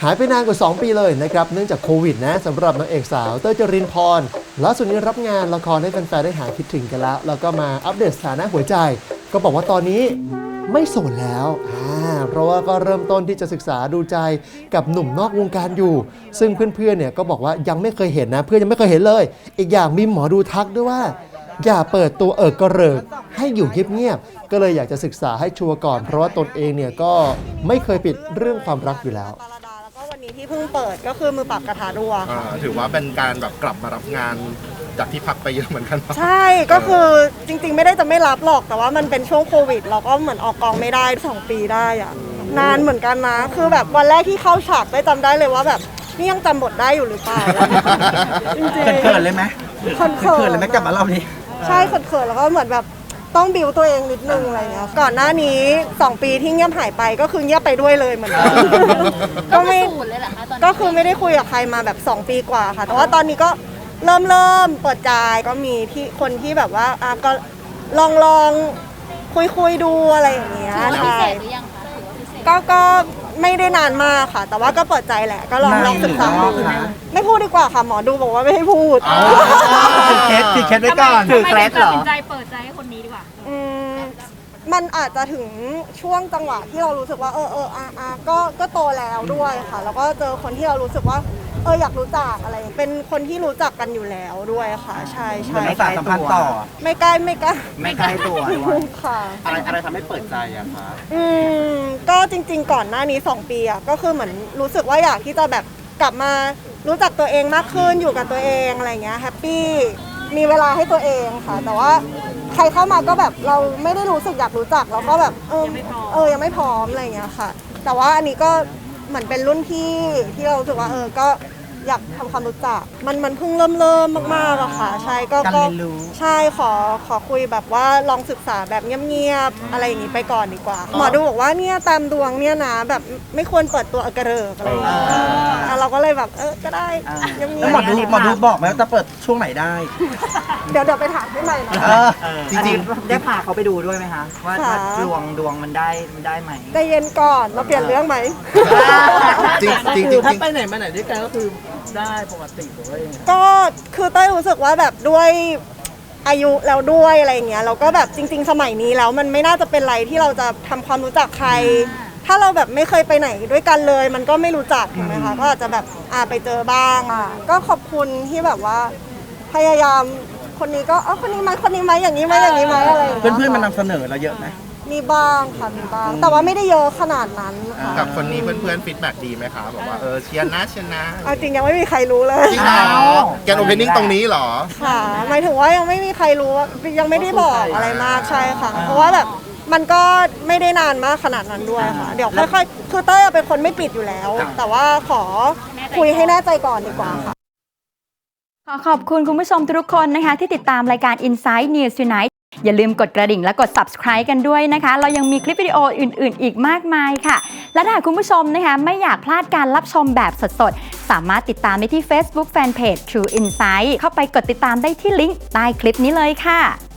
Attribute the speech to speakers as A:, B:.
A: หายไปนานกว่า2 ปีเลยนะครับเนื่องจากโควิดนะสำหรับนางเอกสาวเต้ยจรินพรล่าสุดนี้รับงานละครให้แฟนๆได้หายคิดถึงกันแล้วก็มาอัปเดตสถานะหัวใจก็บอกว่าตอนนี้ไม่โสดแล้วเพราะว่าก็เริ่มต้นที่จะศึกษาดูใจกับหนุ่มนอกวงการอยู่ซึ่งเพื่อนๆเนี่ยก็บอกว่ายังไม่เคยเห็นนะเพื่อนยังไม่เคยเห็นเลยอีกอย่างมีหมอดูทักด้วยว่าอย่าเปิดตัวกระเริกให้อยู่เงียบๆก็เลยอยากจะศึกษาให้ชัวร์ก่อนเพราะว่าตนเองเนี่ยก็ไม่เคยปิดเรื่องความรักอยู่แล้ว
B: แล้วก็วันนี้ที่เพิ่งเปิดก็คือมือปราบกระทะรัว
C: ถือว่าเป็นการแบบกลับมารับงานจากที่พักไปเยอะเหมือนกัน
B: ใช่ก็คือจริงๆไม่ได้จะไม่รับหรอกแต่ว่ามันเป็นช่วงโควิดเราก็เหมือนออกกองไม่ได้2 ปีได้อะนานเหมือนกันนะคือแบบวันแรกที่เข้าฉากได้จำได้เลยว่าแบบนี่ยังจำบทได้อยู่หรือเปล่า
D: จริงๆเขินเลยไหมเขินเลยไหมกลับมาเล่านี้
B: ใช่เขินแล้วก็เหมือนแบบต้องบิวตัวเองนิดนึงอะไรเงี้ยก่อนหน้านี้2 ปีที่เงียบหายไปก็คือเงียบไปด้วยเลยเหมือนกันก็ไม่ก็คือไม่ได้คุยกับใครมาแบบ2 ปีกว่าค่ะแต่ว่าตอนนี้ก็เริ่มเปิดใจก็มีที่คนที่แบบว่าก็ลองคุยดูอะไรอย่างเงี้ยใช่ก็ไม่ได้นานมากค่ะแต่ว่าก็เปิดใจแหละก็ลองศึกษาดูไม่พูดดีกว่าค่ะหมอดูบอกว่าไม่ให้พูด
D: ถือเคสไว้ก่อน
E: ถือเคสเหรอตัดสินใจเปิดใจให้คนนี้ดีกว่า
B: มันอาจจะถึงช่วงจังหวะที่เรารู้สึกว่าก็โตแล้วด้วยค่ะแล้วก็เจอคนที่เรารู้สึกว่าอยากรู้จักอะไรเป็นคนที่รู้จักกันอยู่แล้วด้วยค่ะใช่
D: ไม่สานสัมพันธ์ต่อ
B: ไม่ใกล้
D: ตัว
B: ค่ะ
D: อะไรทำให้เปิดใจอะคะ
B: ก็จริงๆก่อนหน้านี้2 ปีอะก็คือเหมือนรู้สึกว่าอยากที่จะแบบกลับมารู้จักตัวเองมากขึ้นอยู่กับตัวเองอะไรเงี้ยแฮปปี้มีเวลาให้ตัวเองค่ะแต่ว่าใครเข้ามาก็แบบเราไม่ได้รู้สึกอยากรู้จักแล้วก็แบบยังไม่พร้อมอะไรเงี้ยค่ะแต่ว่าอันนี้ก็เหมือนเป็นรุ่นพี่ที่เรารู้สึกว่าก็อยากทำความรู้จักมันเพิ่งเริ่มมากๆอะค่ะใช่ก็ใช่ขอคุยแบบว่าลองศึกษาแบบเงียบๆอะไรอย่างนี้ไปก่อนดีกว่าหมอดูบอกว่าเนี่ยตามดวงเนี่ยนะแบบไม่ควรเปิดตัวกระเริกอะไรอย่างเงี้ยเราก็เลยแบบก็ได้เงียบๆ
D: แล้วหมอดูบอกไหมว่าจะเปิดช่วงไหนได้
B: เดี๋ยวไปถามให้ใหม่นะ
D: จริงๆได้พาเขาไปดูด้วยไหมคะว่าดวงมันได้ไหม
B: ใจเย็นก่อนเราเปลี่ยนเรื่องไหม
D: จริงถ้าไปไหนมาไหนด้วยกันก็คือได้ปกติเลย
B: ก็คือเต้ยรู้สึกว่าแบบด้วยอายุแล้วด้วยอะไรอย่างเงี้ยเราก็แบบจริงๆสมัยนี้แล้วมันไม่น่าจะเป็นไรที่เราจะทำความรู้จักใครถ้าเราแบบไม่เคยไปไหนด้วยกันเลยมันก็ไม่รู้จักถูกไหมคะก็อาจจะแบบไปเจอบ้างก็ขอบคุณที่แบบว่าพยายามคนนี้ก็คนนี้ไหมอย่างนี้ไหมอะไรอย่างเงี้ย
D: เพื่อนๆมันนำเสนอเราเยอะไหม
B: มีบ้างค่ะมีบ้างแต่ว่าไม่ได้เยอะขนาดนั้น
C: กับคนนี้เพื่อนๆฟีดแบ็กดีไหมคะบอกว่าเชียร์นะ
B: เอาจริงยังไม่มีใครรู้เลย
C: จริงเหรอแกนโอเพนนิ่งตรงนี้เหรอ
B: ค่ะหมายถึงว่ายังไม่มีใครรู้ยังไม่ได้บอกอะไรมากใช่ค่ะเพราะว่าแบบมันก็ไม่ได้นานมากขนาดนั้นด้วยค่ะเดี๋ยวค่อยๆคือเต้ยเป็นคนไม่ปิดอยู่แล้วแต่ว่าขอคุยให้แน่ใจก่อนดีกว่าค่ะ
E: ขอบคุณคุณผู้ชมทุกคนนะคะที่ติดตามรายการ Inside News Tonight อย่าลืมกดกระดิ่งและกด subscribe กันด้วยนะคะเรายังมีคลิปวิดีโออื่นๆอีกมากมายค่ะและถ้าคุณผู้ชมนะคะไม่อยากพลาดการรับชมแบบสดๆสามารถติดตามได้ที่ Facebook Fanpage True Insight เข้าไปกดติดตามได้ที่ลิงก์ใต้คลิปนี้เลยค่ะ